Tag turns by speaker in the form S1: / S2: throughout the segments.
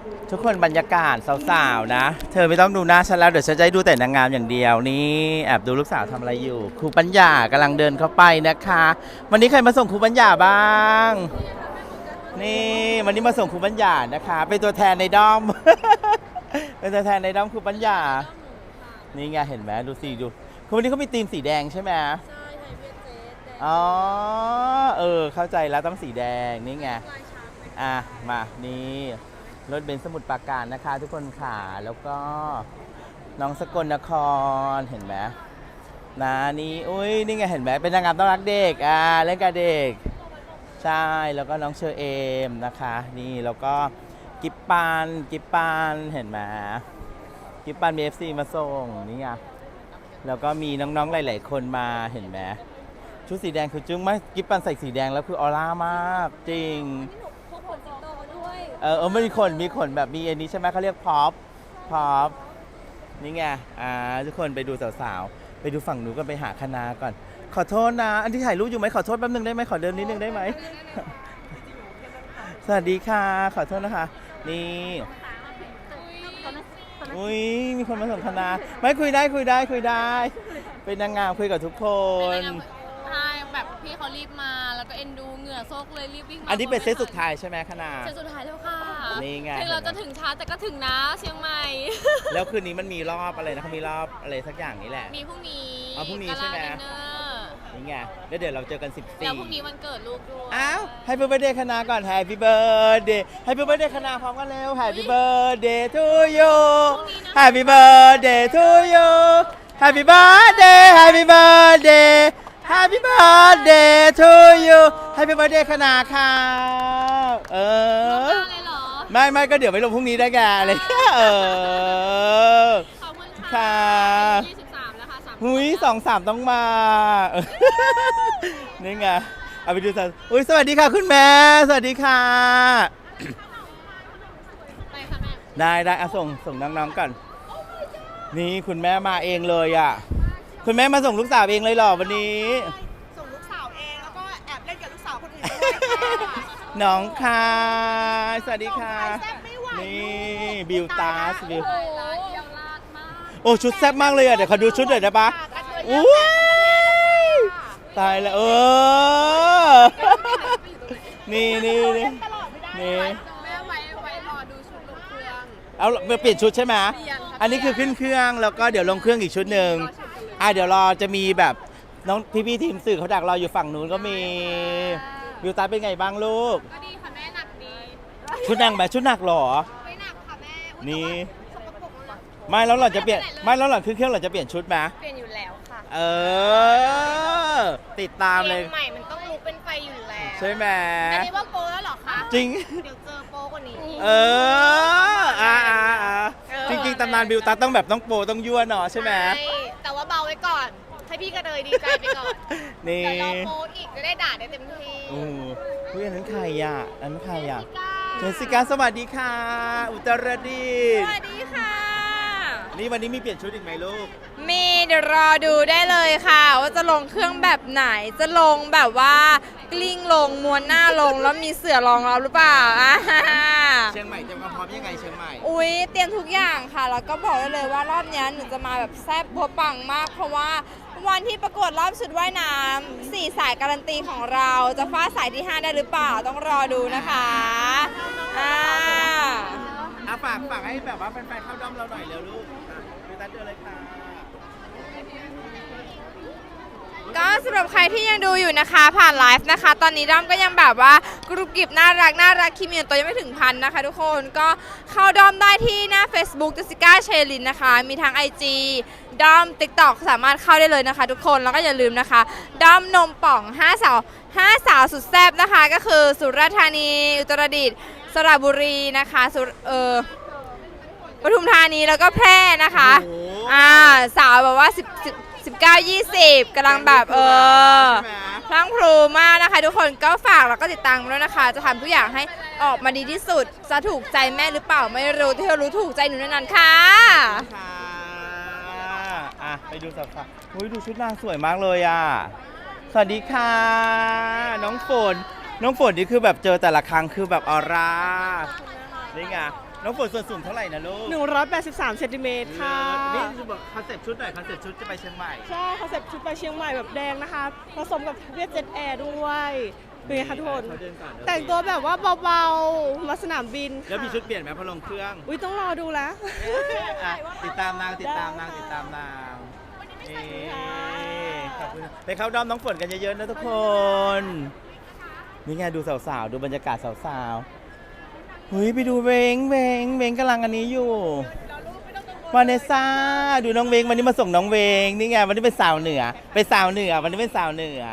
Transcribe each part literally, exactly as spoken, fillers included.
S1: ทุกคนบรรยากาศสาวๆนะเธอไม่ต้องดูหน้าฉันแล้วเดี๋ยวฉันจะให้ดูแต่นางงามอย่างเดียวนี่แอบดูลูกสาวทำอะไรอยู่ครูปัญญากำลังเดินเข้าไปนะคะวันนี้ใครมาส่งครูปัญญาบ้างนี่วันนี้มาส่งครูปัญญานะคะเป็นตัวแทนในด้อม เป็นตัวแทนในด้อมครูปัญญานี่ไงเห็นไหมดูสิดูคือวันนี้เขามีธีมสีแดงใช่ไหมใช่ไทยเวียดเจสอ๋อเออเข้าใจแล้วต้องสีแดงนี่ไงอ่ะมานี่รถเบนซ์สมุทรปราการนะคะทุกคนค่ะแล้วก็น้องสกลนครเห็นไหมนะนี่อุ้ยนี่ไงเห็นไหมเป็นนางงามต้อนรักเด็กอ่าเล่นกับเด็กใช่แล้วก็น้องเชอเอมนะคะนี่แล้วก็กิปปานกิปปานเห็นไหมกิปปานมีเอฟซีมาส่งนี่ไงแล้วก็มีน้องๆหลายๆคนมาเห็นไหมชุดสีแดงคือจึ้งมากกิปปานใส่สีแดงแล้วคือออร่ามากจริงเออเออไม่มีขนมีขนแบบมีอันนี้ใช่ไหมเขาเรียกพอปพอปนี่ไงอ่าทุกคนไปดูสาวๆไปดูฝั่งหนูกันไปหาคณะก่อนขอโทษนะอันที่ถ่ายรูปอยู่ไหมขอโทษแป๊บนึงได้ไหมขอเดินนิดนึงได้ไหม สวัสดีค่ะขอโทษนะคะนี่อุ้ยมีคนมาส่งคณะไม่คุยได้คุยได้คุยได้เป็นนางงามคุยกับทุกคน
S2: ใช่แบบพี่เขารีบมาแล้วก็เอ็นดูเหงื่อโซกเลยรีบวิ่งมา
S1: อันนี้เป็นเซตสุดท้ายใช่ไหมคณะ
S2: เซตสุดท้ายแล้วค่ะ
S1: นี่ไง
S2: ถึงเราจะถึงช้าแต่ก็ถึงนะเชียงใหม่
S1: แล้วคืนนี้มันมีรอบอะไรนะเขามีรอบอะไรสักอย่างนี้แหละ
S2: มีพรุ่งนี้
S1: อ๋อพรุ่งนี้ใช่ไหมนี่ไงแล้วเดี๋ยวเราเจอกันสิบสี่
S2: แล้วพรุ่งนี้วันเกิดลูกด้วย
S1: อ้าวแฮปปี้เบิร์ธเดย์คณะก่อนแฮปปี้เบิร์ธเดย์แฮปปี้เบิร์ธเดย์คณะพร้อมกันเร็วแฮปปี้เบิร์ธเดย์ทูยูแฮปปี้เบิร์ธเดย์ทูยูแฮปปี้เบิร์ธเดย์แฮปปี้เบิร์ธเดย์ Happy birthday to you Happy birthday คณะค่ะเออไม่ไม่ก็เดี๋ยวไปลงพรุ่งนี้ได้แกเลยเออ
S2: ขอบคุณ
S1: ค่ะ
S2: ค่ะยี่สิบสามแล้วค่ะสาม
S1: หุยสองสามต้องมานี่ไงเอาไปดูสักอุ้ยสวัสดีค่ะคุณแม่สวัสดีค่ะ
S2: ไปค่ะแม่
S1: ได้ได้เอาส่งส่งน้องๆก่อนนี่คุณแม่มาเองเลยอ่ะคุณแม่มาส่งลูกสาวเองเลยเหรอวันนี้
S3: ส่งลูกสาวเองแล้วก็แอบเล่นกับลูกสาวคนอื่นด้วย
S1: น้องค่ะสวัสดีค่ะนี่บิวตาสบิวโอ้ชุดแซ่บมากเลยอ่ะเดี๋ยวเขาดูชุดหน่อยได้ปะอู้ตายแล้วเออนี่นี่นี่นี่
S2: แม่ไว้ไว้รอดูชุดลงเครื่อง
S1: เอาเปลี่ยนชุดใช่ไหมอันนี้คือขึ้นเครื่องแล้วก็เดี๋ยวลงเครื่องอีกชุดหนึ่งอ่ะเดี๋ยวรอจะมีแบบน้องพี่ๆทีมสื่อเขาดักรออยู่ฝั่งนู้นก็มีวิวตาเป็นไงบ้างลูก
S2: ก็ดีค่ะแม่หนักดี
S1: ชุดหนักแบบชุดหนักหรอ
S2: ไม่หนักค่ะแม่
S1: นี่ไม่แล้วหล่อนจะเปลี่ยนไม่แล้วหล่อนขึ้นเครื่องหล่อนจะเปลี่ยนชุดไหม
S2: เปลี่ยนอยู่แล้วค่ะ
S1: เออติดตามเลย
S2: ใหม่มันต้องลุกเป็นไฟอยู่แล้ว
S1: ใช่ไหม
S2: อันนี้ว่าโปแล้วหรอคะ
S1: จริง
S2: เดี๋ยวเจอโปกว่านี้
S1: เอออ่าอ่าจริงๆตำนานบิวตาต้องแบบต้องโปต้องยั่วหนอใช่ไหม
S2: แต่ว่าเบาไว้ก่อนให้พี่กระเทยดีใจไปก่อน
S1: นี่
S2: แต่รอโปอีกจะได้ด่าได้เต็มที่
S1: โอ้เฮ้ยอันนั้นใครอ่ะอันนั้นใครอ่ะเจสสิก้าสวัสดีค่ะอุตรดิตถ์
S2: สวัสดีค่ะ
S1: นี่วันนี้มีเปลี่ยนชุดอีกไหมลูก
S2: มีเดี๋ยวรอดูได้เลยค่ะว่าจะลงเครื่องแบบไหนจะลงแบบว่ากลิ้งลงม้วนหน้าลงแล้วมีเสื่อรองรับหรือเปล่า
S1: เชียงใหม่เตรียมความพร้อมยังไงเชียงใหม่
S2: อุ้ยเตรียมทุกอย่างค่ะแล้วก็บอกได้เลยว่ารอบนี้หนูจะมาแบบแซ่บบัวปังมากเพราะว่าวันที่ประกวดรอบชุดว่ายน้ำสี่สายการันตีของเราจะฟาดสายที่ห้าได้หรือเปล่าต้องรอดูนะคะอ่า
S1: อ่ะฝากฝากให้แบบว่าแฟนๆเข้าด้อมเราหน่อยเร็วลูกดูตัดเจอเลยค่ะ
S2: ก็สำหรับใครที่ยังดูอยู่นะคะผ่านไลฟ์นะคะตอนนี้ด้อมก็ยังแบบว่ากรุบกริบน่ารักน่ารักคิมิโนโตะยังไม่ถึงพันนะคะทุกคนก็เข้าด้อมได้ที่หน้า Facebook เจสสิก้าเชลินนะคะมีทั้ง ไอ จี ด้อม ติ๊กต็อก สามารถเข้าได้เลยนะคะทุกคนแล้วก็อย่าลืมนะคะด้อมนมป่องห้าสาวห้าสาวสุดแซ่บนะคะก็คือสุราษฎร์ธานีอุตรดิตถ์สระบุรีนะคะสุเออปทุมธานีแล้วก็แพร่นะคะอ่าสาวแบบว่าสิบ สิบเก้า ยี่สิบกำลังแบบเออพลังพลูมากนะคะทุกคนก็ฝากแล้วก็ติดตามด้วยนะคะจะทำทุกอย่างให้ออกมาดีที่สุดจะถูกใจแม่หรือเปล่าไม่รู้ที่รู้ถูกใจหนูแน่นอนค่ะ
S1: ค่ะอ่ะไปดูสักค่ะอุ้ยดูชุดนางสวยมากเลยอ่ะสวัสดีค่ะน้องฝนน้องฝนนี่คือแบบเจอแต่ละครั้งคือแบบออร่านี่ไงน้องฝนส่วนสูงเท่าไหร่นะลูก
S3: หนึ่งร้อยแปดสิบสามเซนติเมตรค่ะ
S1: นี่คือบอกคอนเซ็ปต์ชุดหน่อยคอนเซ็ปต์ชุดจะไปเชียงใหม่
S3: ใช่คอนเซ็ปต์ชุดไปเชียงใหม่แบบแดงนะคะ ผสมกับเวียดเจ็ตแอร์ด้วยเป็นไงคะทุกคน
S1: เขาเดินก่อน
S3: แต่งตัวแบบว่าเบาๆ มาสนามบินค่ะ
S1: แล้วมีชุดเปลี่ยนไหมพอลงเครื่อง
S3: อุ้ยต้องรอดูแล้ว
S1: อ่ะติดตามนางติดตามนางติดตามนางนี่ขอบคุณไปเข้าด้อมน้องฝนกันเยอะๆนะทุกคน นี่ไงดูสาวๆดูบรรยากาศสาวๆเฮ้ยไปดูเวงเวงเวงกำลังอันนี้อยู่วาเนซ่าดูน้องเวงวันนี้มาส่งน้องเวงนี่ไงวันนี้เป็นสาวเหนือเป็นสาวเหนือวันนี้เป็นสาวเหนือ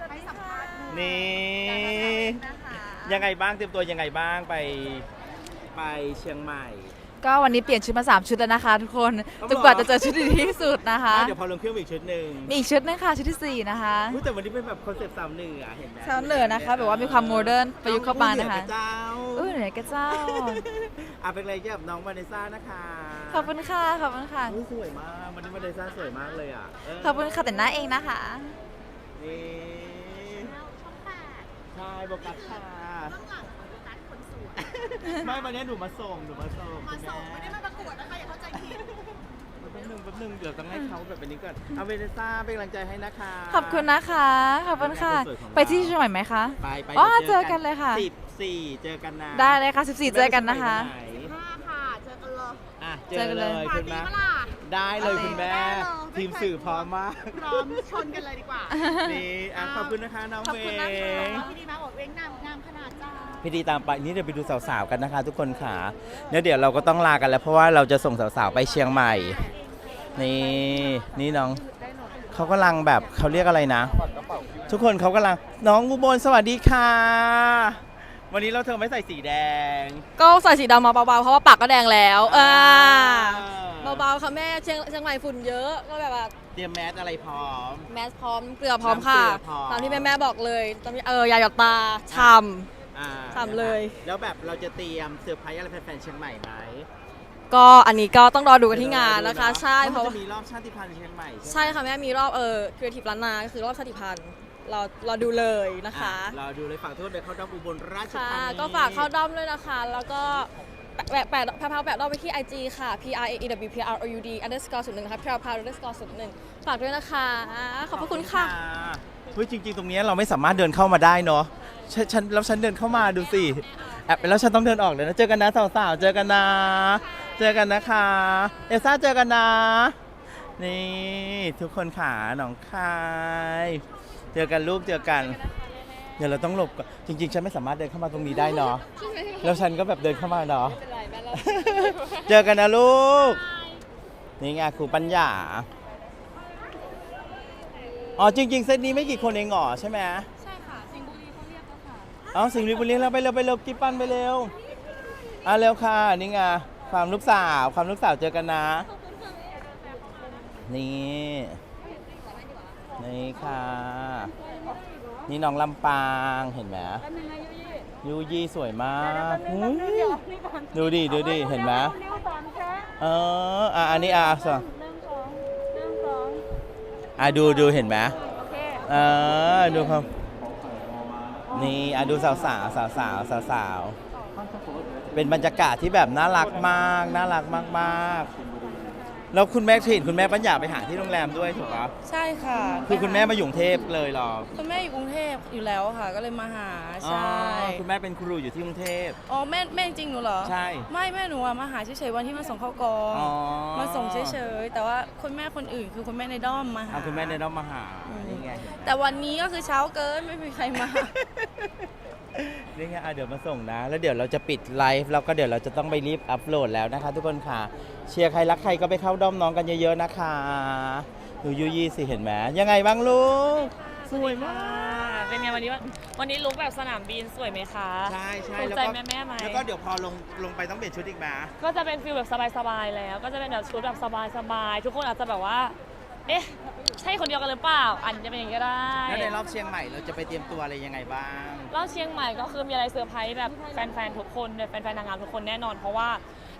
S1: นี่ยังไงบ้างเตรียมตัวยังไงบ้างไปไปเชียงใหม่
S4: ก็วันนี้เปลี่ยนชุดมาสามชุดแล้วนะคะทุกคน
S1: เอาเหรอ
S4: จนกว่าจะเจอชุดที่ดีที่สุดนะคะ
S1: เดี๋ยวพอลงเครื่องอีกชุดหนึ่ง
S4: มีอีกชุดนึงค่ะชุดที่สี่นะคะ
S1: อุ๊ยแต่วันนี้เป็นแบบคอนเซ็ปต์สาวเหนือเห็นไหม
S4: สาวเหนือนะคะแบบว่ามีความโมเดิร์นประยุกต์เข้ามานะคะ
S1: เจ้า
S4: เออเหนือกระเจ้า
S1: อ่ะเป็นไรกับน้องวาเนซ่านะคะ
S4: ขอบคุณค่ะขอบคุณค่ะ
S1: อุ๊ยสวยมากวันนี้วาเนซ่าสวยมากเลยอ่ะเ
S4: ขอบคุณค่ะแต่งหน้าเองนะคะ
S1: นี่ใช่โบกัสค่ะไม่วันนี้หนูมาส่งหนูมาส่ง
S3: มาส่ง
S1: คุณ
S3: ไม่
S1: แม่
S3: ได้มาประกวดนะคะอย่าเข้าใจผิด
S1: แป๊บนึงแป๊บนึงเดี๋ยวต้องให้เขาแบบนี้ก่อนเอาเวเนซ่าเป็นกำลังใจให้นะคะ
S4: ขอบคุณนะคะขอบคุณค่ะ ไปที่เชียงใหม่ไหมคะ
S1: ไปไป
S4: อ๋อ
S1: ดี๋ว
S4: เจอกันเลยค่ะ
S1: สิบสี่เจอกันนะ
S4: ได้เลยค่ะสิบสี่เจอกันนะคะ
S1: แม่ไปเชียงใหม่วันไหน
S3: ห้าค่ะ เจอกันเลย
S1: อ่ะ
S4: เจ
S1: เจ
S4: อ
S1: อ
S4: กัน
S1: เล
S4: เลย
S1: ย
S3: ปา
S1: คุ
S3: ร์
S1: ณ
S3: ตี้
S1: แม่
S3: เมื่อไหร่
S1: ได้เลยคุณแม่
S3: ได้เลย
S1: ทีมสื่อพร้อมมาก
S3: พร้อมชนกันเลยดีกว่า
S1: นี่อ่ะขอบคุณนะคะน้อง
S4: ขอบ
S1: เว
S4: คุณนะคะ
S1: ง
S3: พี่ดีมาบอกเว้งงามงามขนาดจ้า
S1: พี่ดีตามไปนี่เดี๋ยวไปดูสาวๆกันนะคะ ทุกคนค่ะเนี่ยเดี๋ยวเราก็ต้องลากันแล้วเพราะว่าเราจะส่งสาวๆไปเชียงใหม่ นี่นี่น้องเขากำลังแบบเขาเรียกอะไรนะ ทุกคนเขากำลังน้องอุบลสวัสดีค่ะ วันนี้เราเธอไม่ใส่สีแดง
S5: ก็ใส่สีดำมาเบาๆ เพราะว่าปากก็แดงแล้วอ่า
S1: อ่า
S5: เบาๆ ค่ะแม่เชียงเชียงใหม่ฝุ่นเยอะ ก็แบบว่า
S1: เตรียมแมสอะไรพร้อม
S5: แมสพร้อม เกลือพร้อมค่ะ
S1: น้ำเกลือพร้อม
S5: ตามที่แม่แม่ๆบอกเลยตามที่เออยาหยอดตาช่
S1: อ่า
S5: ทำเลย
S1: แล้วแบบเราจะเตรียมเซอร์ไพรส์อะไรแฟนๆเชียงใหม่ไหม
S5: ำก็อันนี้ก็ต้องรอดูกันที่งานนะคะ ใช่
S1: เพ
S5: เพ
S1: ราะ
S5: ราะ
S1: ว่า
S5: ว่า
S1: จะมีรอบชาติพันธุ์เชียงใหม่
S5: ใช่
S1: ไหม
S5: ค่ะแม่มีรอบเออครีเอทีฟล้านนาก็คือรอบชาติพันธุ์เราเราดูเลยนะคะ
S1: อ่รอดูเลยฝากทุกคนไปเข้าด้อมอุบลราช
S5: ค่ะ
S1: ธานี
S5: ก็ฝากเข้าด้อมด้วยนะคะ แล้วก็แปะแปะแพรวๆแปะด้อมไปที่ ไอ จี ค่ะ p r a e w p r o u d underscore ศูนย์หนึ่งนะคะ แพรวๆ underscore ศูนย์หนึ่งฝากด้วยนะคะ ขอบพระคุณค่ะ
S1: เฮ้ยจริงๆ ตรงเนี้ยเราไม่สามารถเดินเข้ามาได้เนาะฉันฉันแล้วฉันเดินเข้ามาดูสิแอบแล้วฉันต้องเดินออกเลยนะเจอกันนะสาวๆเจอกันนะเจอกันนะคะเอลซ่าเจอกันนะนี่ทุกคนขาหนองคายเจอกันลูกเจอกันเดี๋ยวเราต้องหลบก่อนจริงๆ ฉันไม่สามารถเดินเข้ามาตรงนี้ได้เนาะแล้วฉันก็แบบเดินเข้ามาเนาะเจอกันนะลูกนี่ไงครูปัญญาอ๋อจริงๆเซตนี้ไม่กี่คนเองเหรอใช่ไหมใช่ค่ะสิงห์บุรีเขาเรียกแล้วค่ะอ๋อสิงห์บุรีเราไปเร็วไปเร็วกิ๊บปันไปเร็วอ่ะเร็วค่ะนี่ไงความลูกสาวความลูกสาวเจอกันนะนี่นี่ค่ะนี่น้องลำปางเห็นไหมยูยี่สวยมากอุ๊ยดูดิดูดิเห็นไหมเอออ่ะอันนี้อ่ะสองอ่ะดูดูเห็นไหมเออดูครับนี่อ่ะดูสาวสาวสาวสาวสาวสาวๆเป็นบรรยากาศที่แบบน่ารักมากน่ารักมากๆแล้วคุณแม่ถิ่นคุณแม่ปัญญาไปหาที่โรงแรมด้วยถูกปะ
S5: ใช่ค่ะ
S1: คือคุณแม่มาอยู่กรุงเทพเลยเหรอ
S5: คุณแม่อยู่กรุงเทพอยู่แล้วค่ะ ก็เลยมาหา
S1: อ๋อ
S5: ใช่
S1: คุณแม่เป็นครูอยู่ที่กรุงเทพ
S5: อ๋อแม่แม่จริงหนูเหรอ
S1: ใช่
S5: ไม่แม่หนูอะมาหาเฉยๆวันที่มาส่งเข้ากอง
S1: อ๋อ
S5: มาส่งเฉยๆแต่ว่าคุณแม่คนอื่นคือคุณแม่ในด้อมมาหา
S1: เอาคุณแม่ได้น้องมาหา
S5: อืม
S1: นี่ไง
S5: แต่วันนี้ก็คือเช้าเกินไม่มีใครมา
S1: นี่ไงอ่ะเดี๋ยวมาส่งนะ แล้วเดี๋ยวเราจะปิดไลฟ์แล้วก็เดี๋ยวเราจะต้องไปรีบอัพโหลดแล้วนะคะ ทุกคนค่ะ เชียร์ใครรักใครก็ไปเข้าด้อมน้องกันเยอะๆนะคะดูยูยี่สิเห็นไหมยังไงบ้างลูกสวยมาก
S6: เป็นไงวันนี้วันวันนี้ลุกแบบสนามบินสวยไหมคะ
S1: ใช่ใช่
S6: ถูก
S1: แล้ว
S6: ใจ
S1: ก็
S6: แม่แม่ๆไหม
S1: แล้วก็เดี๋ยวพอลงลงไปต้องเปลี่ยนชุดอีกไหม
S6: ก็จะเป็นฟิลแบบสบายๆแล้ว ก็จะเป็นแบบชุดแบบสบายๆทุกคนอาจจะแบบว่า เอ๊ะ ใช่คนเดียวกันหรือเปล่าอันจะเป็นอย่างนี้ก็ได้
S1: แล้วในรอบเชียงใหม่เราจะไปเตรียมตัวอะไรยังไงบ้าง
S6: รอบเชียงใหม่ก็คือมีอะไรเซอร์ไพรส์แบบแฟนๆทุกคนเนี่ยแฟนๆนางงามทุกคนแน่นอน เพราะว่า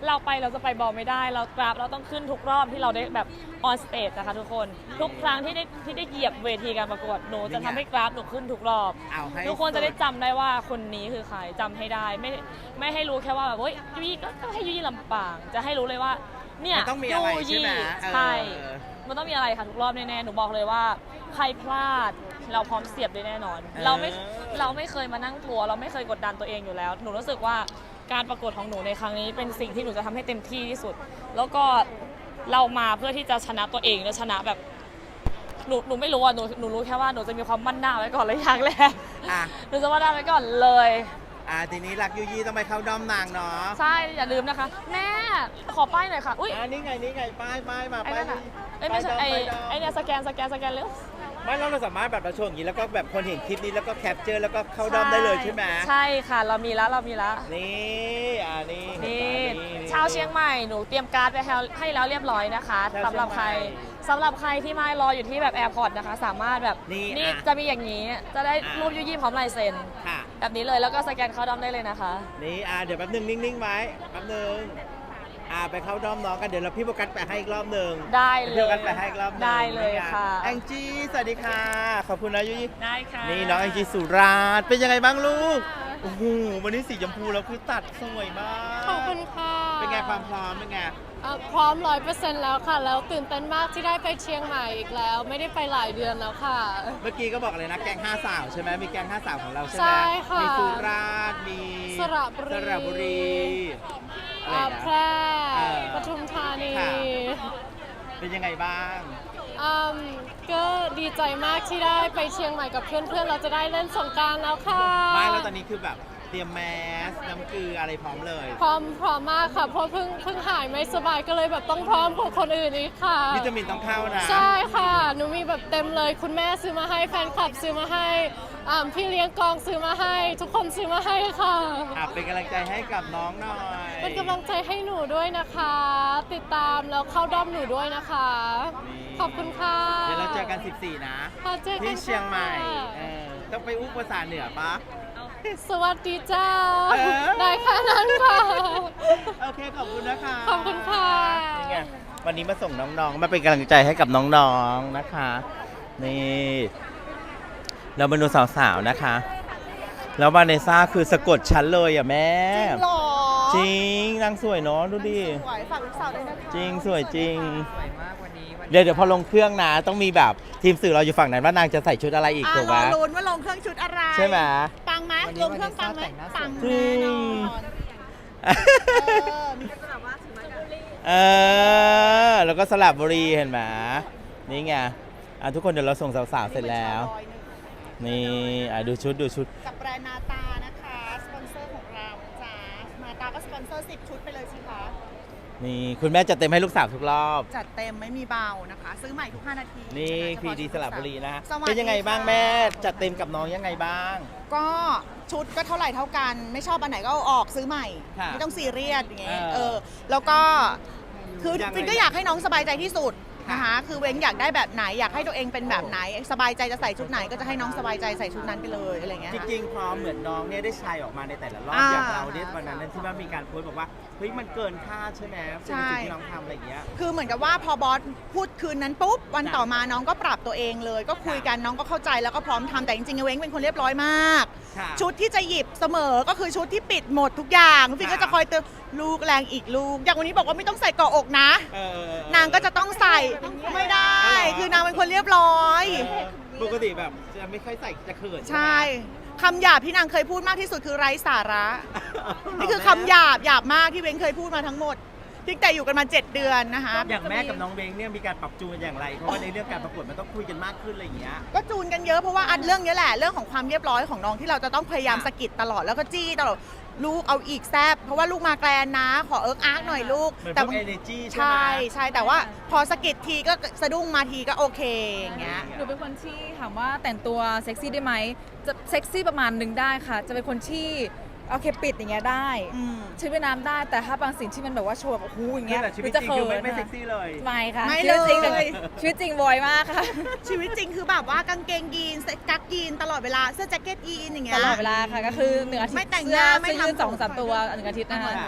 S6: เราไปเราจะไปบอลไม่ได้เรากราฟเราต้องขึ้นทุกรอบที่เราได้แบบออนสเตจนะคะทุกคนทุกครั้งที่ได้ที่ได้เหยียบเวทีการประกวดหนูจะทำให้กราฟหนูขึ้นทุกรอบ
S1: เอาให้
S6: ทุกคนจะได้จำได้ว่าคนนี้คือใครจำให้ได้ไม่ไม่ให้รู้แค่ว่าแบบเฮ้ยยุยี่ก็ให้ยุยี่ลำปาง จะให้รู้เลยว่าเนี่ย
S1: มันต้องมีอะไร
S6: ยุ
S1: ใช่ไหม
S6: ยี่
S1: เออ
S6: ใช่มันต้องมีอะไรค่ะทุกรอบแน่ๆหนูบอกเลยว่าใครพลาดเราพร้อมเสียบได้แน่นอน เราไม่เราไม่เคยมานั่งกลัว เราไม่เคยกดดันตัวเองอยู่แล้ว หนูรู้สึกว่าการประกวดของหนูในครั้งนี้เป็นสิ่งที่หนูจะทำให้เต็มที่ที่สุด แล้วก็เรามาเพื่อที่จะชนะตัวเองและชนะแบบหนูหนูไม่รู้อ่ะหนูหนูรู้แค่ว่าหนูจะมีความมั่นหน้าไว้ก่อนเลยอย่างแรก
S1: อ่ะ
S6: หนูจะมั่นหน้าไว้ก่อนเลย
S1: อ่าทีนี้รักยูยี่ต้องไปเข้าด้อมนางเนาะ
S6: ใช่อย่าลืมนะคะ แม่ขอป้ายหน่อยค่ะอุ้ย
S1: อ่านี่ไงนี่ไงป้ายป้ายมา
S6: ไอ้
S1: ป้าย
S6: นั่นอ่ะไอ้ยไม่ใช่ไอ้ไอ้เนี่ยสแกนสแกนสแกนเร็ว
S1: ไม่เราสามารถแบบเราโชว์อย่างนี้แล้วก็แบบคนเห็นคลิปนี้แล้วก็แคปเจอร์แล้วก็เข้าด้อมได้เลยใช่ไหม
S6: ใช่ค่ะเรามีแล้วเรามีแล้ว
S1: นี่อ่านี่
S6: นี่
S1: นี่
S6: ชาวเชียงใหม่หนูเตรียมการ์ดไปให้ให้แล้วเรียบร้อยนะคะ
S1: ชาวเชียงใหม่
S6: สำหรับใครสำหรับใครที่มารออยู่ที่แบบแอร์พอร์ตนะคะ สามารถแบบ
S1: นี่
S6: นี่
S1: อ่ะ
S6: จะมีอย่างนี้จะได้
S1: อ่ะ
S6: รูปยูยี่พร้อมลายเซ็น
S1: ค่ะ
S6: แบบนี้เลยแล้วก็สแกนเข้าด้อมได้เลยนะคะ
S1: นี่อ่าเดี๋ยวแป๊บนึงนิ่งๆไว้แป๊บนึงอ่าไปเข้าด้อมน้องกันเดี๋ยวเราพี่โฟกัสไปให้อีกรอบหนึ่ง
S6: ได้เลย
S1: พี่โฟกัสไปให้อีกรอบหนึ่ง
S6: ได้เลยค่ะ
S1: แองจี้สวัสดีค่ะขอบคุณนะยุ้ย
S6: ได้ค่ะ
S1: นี่น้องแองจี้สุราษฎร์เป็นยังไงบ้างลูกโอ้โหวันนี้สีชมพูแล้วคือตัดสวยมาก
S7: ขอบคุณค่ะ
S1: เป็นไงความพร้อมเป็นไง
S7: เอ่อพร้อมร้อยเปอร์เซ็นต์แล้วค่ะ แล้วตื่นเต้นมากที่ได้ไปเชียงใหม่อีกแล้ว ไม่ได้ไปหลายเดือนแล้วค่ะ
S1: เมื่อกี้ก็บอกเลยนะแกงห้าสาวใช่ไหมมีแกงห้าสาวของเราใช่ไหม
S7: ใช่ค่ะ
S1: มีสุราษฎร์มี
S7: สระบุรี
S1: สระบุรีอะไร
S7: อ่า
S1: นะ
S7: แพร่
S1: เออ
S7: ปทุมธานี
S1: ค่ะ เป็นยังไงบ้าง
S7: อืมก็ดีใจมากที่ได้ไปเชียงใหม่กับเพื่อนๆ เราจะได้เล่นสงกรานต์แล้วค่ะ
S1: ไม่แล้วตอนนี้คือแบบเตรียมแมสน้ำเกลืออะไรพร้อมเลย
S7: พร้อมพร้อมมากค่ะ เพราะเพิ่งเพิ่งหายไม่สบายก็เลยแบบต้องพร้อมกว่าคนอื่นอีกค่ะ
S1: วิตามินต้องเข้านะ
S7: ใช่ค่ะ หนูมีแบบเต็มเลย คุณแม่ซื้อมาให้ แฟนคลับซื้อมาให้อ่าพี่เลี้ยงกองซื้อมาให้ ทุกคนซื้อมาให้ค่ะ
S1: อ่ะเป็นกำลังใจให้กับน้องหน่อย
S7: เป็นกำลังใจให้หนูด้วยนะคะ ติดตามแล้วเข้าด้อมหนูด้วยนะคะ
S1: นี่
S7: ขอบคุณค่ะ
S1: เดี๋ยวเราเจอกัน สิบสี่ นะ
S7: ค่ะเจอกัน
S1: ที่เชียงใหม่
S7: ค่ะ
S1: เออต้องไปอุ้ภาษาเหนือปะ
S7: สวัสดีเจ้า
S1: เออ
S7: ได้แค่นั้นค่ะ
S1: โอเคขอบคุณนะคะ
S7: ขอบคุณค่ะ
S1: นี่ไงวันนี้มาส่งน้องๆ มาเป็นกำลังใจให้กับน้องๆ นะคะ นี่ เรามาดูสาวๆ นะคะ แล้ววาเนซ่าคือสะกดชั้นเลยอ่ะแม่
S3: หล่อ
S1: จริงนางสวยเนาะดูดิ
S3: สวยฝากลูกสาวด้วยนะคะ
S1: จริงสวยจริง เดี๋ยวเดี๋ยวพอลงเครื่องนะ ต้องมีแบบทีมสื่อเราอยู่ฝั่งนั้นว่านางจะใส่ชุดอะไรอีก
S3: อ่ะ
S1: ถูกไห
S3: ร
S1: ม
S3: อลุ้นว่าลงเครื่องชุดอะไร
S1: ใช่ไหม
S3: ปังไหมลงเครื่องปังไหมปัง
S1: จริ
S3: แน่
S1: ง
S3: นอนเออมีกระแบบว่าถือไม้กัน
S1: เออ แล้วก็สลับบุรีเห็นไหมนี่ไงอ่ะทุกคนเดี๋ยวเราส่งสาวๆ เสร็จแล้ว นี่อ่ะดูชุดดูชุด
S3: กับแบรนด์นาตานะคะ สปอนเซอร์ของเราจ้านาตาก็สปอนเซอร์สิบชุดไปเลยสิคะ
S1: นี่คุณแม่จะเต็มให้ลูกสาวทุกรอบ
S3: จัดเต็มไม่มีเบานะคะ ซื้อใหม่ทุกห้านาที
S1: นี่
S3: ะะ
S1: พีดีส
S3: เฉพา
S1: ระบุรีนะฮะ
S3: สวัสดี
S1: เป็นยังไงบ้าง
S3: ค่ะ
S1: แม่จัดเต็มกับน้องยังไงบ้าง
S3: ก็ชุดก็เท่าไหร่เท่ากัน ไม่ชอบอันไหนก็เอาออกซื้อใหม่
S1: ค่ะ
S3: ไม่ต้องซีเรียสอย่างเงี้ย
S1: เออ
S3: เออแล้วก็คือ
S1: ยังไง
S3: ฟินก็อยากให้น้องสบายใจที่สุดนะคะคือเว้งอยากได้แบบไหนอยากให้ตัวเองเป็นแบบไหน สบายใจจะใส่ชุดไหนก็จะให้น้องสบายใจใส่ชุดนั้นไปเลยอะไรเงี้ย
S1: จ
S3: ค่ะ
S1: ริงๆพอเหมือนน้องเนี่ยได้ชายออกมาในแต่ละรอบ
S3: อ่า
S1: อย่างเราเนี่ยวันนั้นที่ว่ามีการโพสต์บอกว่าเฮ้ยมันเกินคาดใช่ไหม
S3: ใช่
S1: เป็นสิ่งที่น้องทำอะไรอย่างเงี้ย
S3: คือเหมือนกับว่าพอบอสพูดคืนนั้นปุ๊บวัน
S1: จ้ะ
S3: ต่อมาน้องก็ปรับตัวเองเลย ก็คุยกันน้องก็เข้าใจแล้วก็พร้อมทำแต่จริงๆเว้งเป็นคนเรียบร้อยมาก
S1: ค่ะ
S3: ชุดที่จะหยิบเสมอก็คือชุดที่ปิดหมดทุกอย่างฟินก็
S1: ค่ะ
S3: จะคอยเตือนลูกแรงอีกลูก อย่างวันนี้บอกว่าไม่ต้องใส่เกาะอกนะ
S1: เออ
S3: นางก็จะต้องใส่ไม่ได้ คือนางเป็นคนเรียบร้อย
S1: เออปกติแบบจะไม่ค่อยใส่จะเขิน
S3: ใช่คำหยาบที่นางเคยพูดมากที่สุดคือไร้สาระ
S1: ไหม
S3: นี่คือคำหยาบหยาบมากที่เว้งเคยพูดมาทั้งหมดตั้งแต่อยู่กันมาเจ็ดเดือนนะคะ
S1: อย่างแม่กับน้องเบงเนี่ยมีการปรับจูนอย่างไร เพราะว่าในเรื่องการประกวดมันต้องคุยกันมากขึ้นอะไรอย่างเงี้ย
S3: ก็จูนกันเยอะเพราะว่าอันเรื่องนี้แหละเรื่องของความเรียบร้อยของน้องที่เราจะต้องพยายาม
S1: ค่ะ
S3: สะกิดตลอดแล้วก็จี้ตลอดลูกเอาอีกแซบเพราะว่าลูกมาแกรนนะ ขอเอิร์กอาร์กหน่อยลูก
S1: เหมือนพ
S3: แต่
S1: วก energy ใช่ไหม
S3: ใช่ใช่แต่ว่าพอสะกิดทีก็สะดุ้งมาทีก็โอเคอย่างเงี้ย
S4: หนูเป็นคนที่ถามว่าแต่งตัวเซ็กซี่ได้ไหมจะเซ็กซี่ประมาณหนึ่งได้ค่ะ จะเป็นคนที่โอเคปิดอย่างเงี้ยได้
S3: อืม
S4: ชุดว่ายน้ำได้แต่ถ้าบางสิ่งที่มันแบบว่าโชว์แบบโอ้โหอย่าง
S1: คือ
S4: เงี้ย
S1: แต่ชีวิต
S4: จะ
S1: จริงคือไม่ไม่
S4: ะ
S1: เซ็กซี่เลย
S4: ไม่ค่ะ
S3: ไม่
S4: ชีวิตจริง
S3: เลย
S4: ชีวิตจริงบอยมากค่ะ
S3: ชีวิตจริงคือแบบว่ากางเกงยีนส์กั๊กยีนตลอดเวลาเสื้อแจ็คเก็ตยีนอย่างเงี้
S4: ต
S3: ย
S4: ลอดเวลาค่ะก็คือหนึ่งอาทิตย์
S3: ไม่แต่งห
S4: เสื้อ
S3: น้าไม่
S4: เสื้อยืด
S3: ทำ
S4: สองสาม
S3: ผม
S4: ตัวหนึ่งอาทิตย์นะคะ
S3: ค่ะ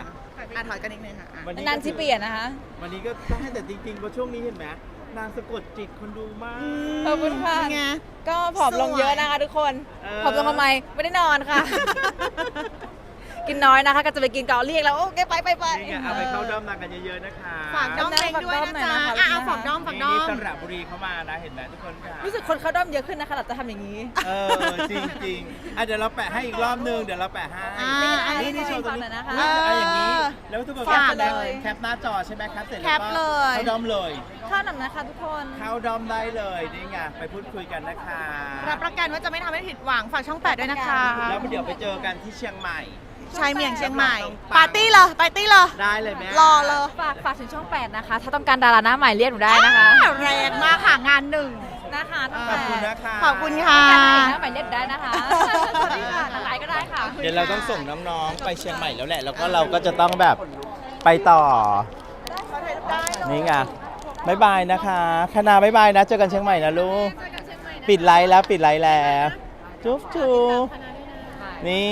S3: อ่ะถอยกันนิดนึงค่ะอ่ะ
S1: วัก็
S4: นานที่เปลี่ยนนะคะ
S1: วันนี้ก็ได้แต่จริงๆเพราะช่วงนี้เห็นไหมนางสะกดจิตคนดูมาก
S4: ขอบคุณค่ะ
S3: เป็นไง
S4: ก็ผอมลงเยอะนะคะทุกคน
S1: เออ
S4: ผอมลงทำไม ไม่ได้นอนค่ะ กินน้อยนะคะ ก็จะไปกินเกาเรียกแล้ว โอเคไปไปไป
S1: นี่ไงเอาไปเข้าด้อมนางกันเยอะๆนะคะ
S3: ฝากด้อมเองด้วยนะจ๊ะ
S4: ฝากด้อมหน่อยนะคะ
S3: อ่ะเอาฝากด้อมฝากด้อ
S1: นี่
S3: ม
S1: สระบุรีเข้ามานะเห็นไหมทุกคนค่ะ
S4: รู้สึกคนเข้าด้อมเยอะขึ้นนะคะหลังจากทำอย่างนี้
S1: เออจริงจริงๆอ่ะเดี๋ยวเราแปะให้อีกรอบนึงเดี๋ยวเราแปะให้
S3: อ่าอันนี้
S1: นี่นี่โชว์ตรงนี้
S4: ฝากหน่อยนะคะ
S1: อุ๊ยอ่ะอย่างนี้แล้วทุกคน
S3: ฝาก
S1: แคป
S3: เลย
S1: แคปหน้าจอใช่ไหมครับเสร็จ
S3: แค
S1: แล้ว
S3: ป
S1: ก็
S3: เลย
S1: เข้าด้อมเลย
S4: ข้าวหนำนะคะทุกคน
S1: เข้าด้อมได้เลยนี่ไงไปพูดคุยกันนะคะ
S3: รับประกันว่าจะไม่ทำให้ผิดหวังฝากช่องแปดด้วยนะคะ
S1: แล้วเดี๋ยวไปเจอกันที่เชียงใหม่
S3: ชายเมียงเชียงใหม่
S1: ต้องปัง
S3: ปาร์ตี้เหรอปาร์ตี้เหรอ
S1: ได้เลยแม่
S3: รอเลย
S4: ฝากฝากถึงช่องแปดนะคะ ถ้าต้องการดาราหน้าใหม่เรียกหนูได้นะคะ
S3: อ่าแรงมากค่ะงานหนึ่ง
S4: นะคะ
S1: ขอบคุณนะคะ
S3: ขอบคุณค่ะ
S4: หน้าใหม่เรียกหนูได้นะคะ สวัสดีค่ะหลายๆก็ได้ค่ะ
S1: เดี๋ยวเราต้องส่งน้องๆไปเชียงใหม่แล้วแหละ แล้วก็เราก็จะต้องแบบไปต่อ นี่ไงบายบายนะคะคณาบายบายนะ เจอกันเชียงใหม่นะลูก ปิดไลฟ์แล้วปิดไลฟ์แล้ว จุ๊บจุ๊บนี่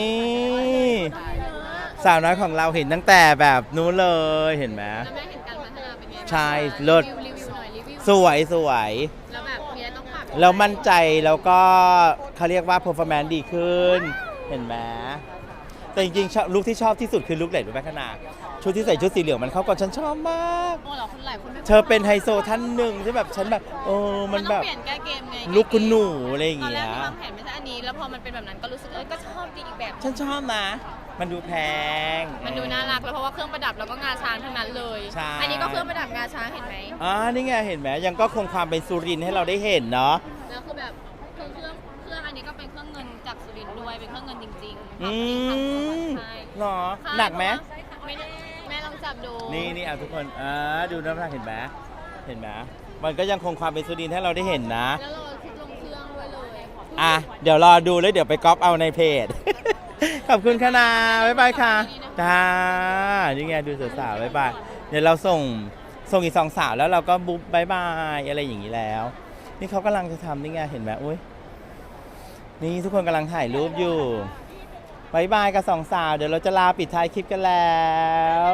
S1: สาวน้อยของเราเห็นตั้งแต่แบบนู้นเลยเห็นไหม
S7: แม่เห็นการพัฒนาเป็นไง
S1: ใช่เลิศ
S7: รีวิวหน่อยรีวิว
S1: สวยสวย
S7: แล้วแบบมีอะไรต้องปรับ
S1: แล้วมั่นใจแล้วก็เขาเรียกว่า performance ดีขึ้น เห็นไหมแต่จริงๆชอบลุคที่ชอบที่สุดคือลุคไหนรู้ไหมขนาดชุดที่ใส่ชุดสีเหลืองมันเข้ากันฉันชอบมาก
S7: โอ้เหรอคนหลายคนไม่
S1: เธอเป็นไฮโซท่านหนึ่งที่แบบฉันแบบเออมันแบบ
S7: ต้องเปลี่ยนแก้เกมไง
S1: ลุคคุณหนูอะไรอย่าง
S7: ตอนแร
S1: เงี้
S7: ก
S1: ย
S7: ที่วางแผนไม่ใช่อันนี้ แล้วพอมันเป็นแบบนั้นก็รู้สึกเออก็ชอบดีอีกแบบ
S1: ฉันชอบนะ มันดูแพง
S7: มันดูน่ารักแล้วเพราะว่าเครื่องประดับแล้วก็งาช้างทั้งนั้นเลย
S1: ใช่
S7: อันนี้ก็เครื่องประดับงาช้างเห็นไหม
S1: อ๋อนี่ไงเห็นไหมยังก็คงความเป็นสุรินทร์ให้เราได้เห็นเนาะ
S7: แล้วคือแบบเครื่องเครื่องเครื่องอันนี้ก็เป็นเครื่องเงินจากสุรินทร์ด้วยเป็นเครื่องเงินจริงๆ
S1: อื
S7: ทำจริงทำสด
S1: ม
S7: ใช่
S1: เหรอหนักไหม
S7: ไม่ได้แม่ลองจับดู
S1: นี่นี่เอาทุกคนอ่าดูน้ำหนักเห็นไหมเห็นไหมมันก็ยังคงความเป็นสุรินทร์ให้เราได้เห็นนะ
S7: แล้วเราคิดลงเครื่องด้วยเลย
S1: อ่ะเดี๋ยวรอดูแล้วเดี๋ยวไปก๊อปเอาในเพจ ขอบคุณค่ะนาบ๊ายบายค่ะจ้านี่ไงดูสาวๆบ๊ายบายเดี๋ยวเราส่งส่งอีกสองสาวแล้วเราก็บุ๊บบายบายอะไรอย่างนี้แล้ว นี่เขากำลังจะทำนี่ไงเห็นไหมอุ้ยนี่ทุกคนกำลังถ่ายรูปอยู่บายบายกับสองสาวเดี๋ยวเราจะลาปิดท้ายคลิปกันแล้ว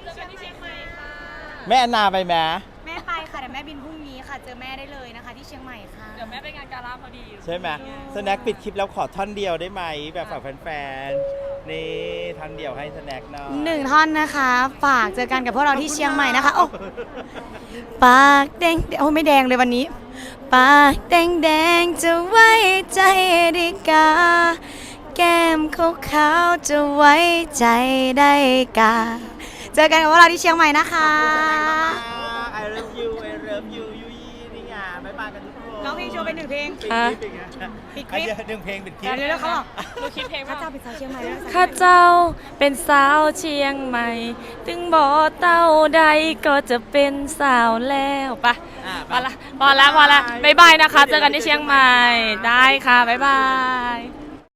S1: แม่แอนนาไปไหม
S8: แม่ไปค่ะแต่แม่บินพรุ่งนี้ค่ะ เจอแม่ได้เลยนะคะที่เชียงใหม่ค่ะ
S6: เดี๋ยวแม่ไปงานกาล่าพอดี
S1: ใช่ไหมสแน็คปิดคลิปแล้วขอท่อนเดียวได้ไหมแบบฝากแฟนๆนี่ท่อนเดียวให้สแน็คหน่อย
S8: หนึ่งท่อนนะคะ ฝากเจอกันกับพวกเราที่เชียงใหม่นะคะโอ้ปากแดงโอ้ไม่แดงเลยวันนี้ ปากแดงแดงๆจะไว้ใจได้กา แก้มขาวๆจะไว้ใจได้กา เจอกันกับพวกเราที่เชียงใหม่นะคะ
S1: I love you I love you ยูยี่นี่ไงบ๊ายบายกันทุกคน
S8: ร้องเพลงโชว์ไปหนึ่งเพลง
S1: ปิดคลิปปิด
S8: ปิด
S1: ค
S8: คลิ
S1: ลิป
S8: ป
S1: หนึ่งเพลงปิดคลิป
S8: เดี๋ยวๆเขาบอก
S6: ดูคลิปเพลง
S8: ข้า
S6: ว่า
S8: เจ้าเป็นสาวเชียงใหม่ด้วย
S5: ข้าเจ้าเป็นสาวเชียงใหม่ ถึงบ่อเต้าใดก็จะเป็นสาวแล้วปะ
S1: อ่ะ
S5: พอละพอละพอละบ๊ายบายนะคะ เจอกันที่เชียงใหม่ ได้ค่ะ บ๊ายบาย